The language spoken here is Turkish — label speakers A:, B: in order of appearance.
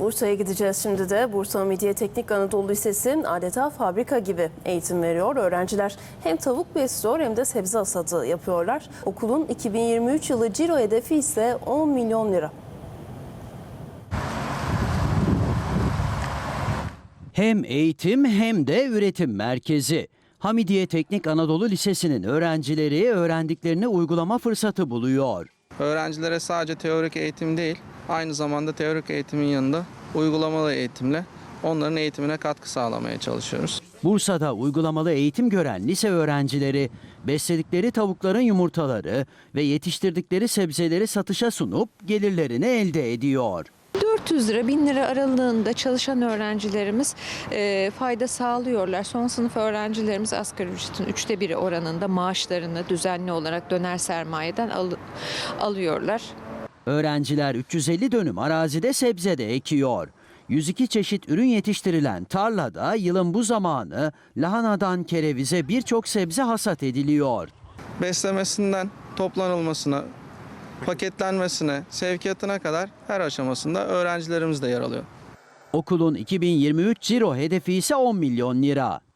A: Bursa'ya gideceğiz şimdi de. Bursa Hamidiye Teknik Anadolu Lisesi adeta fabrika gibi eğitim veriyor. Öğrenciler hem tavuk besliyor hem de sebze hasadı yapıyorlar. Okulun 2023 yılı ciro hedefi ise 10 milyon lira.
B: Hem eğitim hem de üretim merkezi. Hamidiye Teknik Anadolu Lisesi'nin öğrencileri öğrendiklerini uygulama fırsatı buluyor.
C: Öğrencilere sadece teorik eğitim değil, aynı zamanda teorik eğitimin yanında uygulamalı eğitimle onların eğitimine katkı sağlamaya çalışıyoruz.
B: Bursa'da uygulamalı eğitim gören lise öğrencileri besledikleri tavukların yumurtaları ve yetiştirdikleri sebzeleri satışa sunup gelirlerini elde ediyor.
D: 400 lira 1000 lira aralığında çalışan öğrencilerimiz fayda sağlıyorlar. Son sınıf öğrencilerimiz asgari ücretin 1/3 oranında maaşlarını düzenli olarak döner sermayeden alıyorlar.
B: Öğrenciler 350 dönüm arazide sebze de ekiyor. 102 çeşit ürün yetiştirilen tarlada yılın bu zamanı lahanadan kerevize birçok sebze hasat ediliyor.
C: Beslemesinden toplanılmasına, paketlenmesine, sevkiyatına kadar her aşamasında öğrencilerimiz de yer alıyor.
B: Okulun 2023 ciro hedefi ise 10 milyon lira.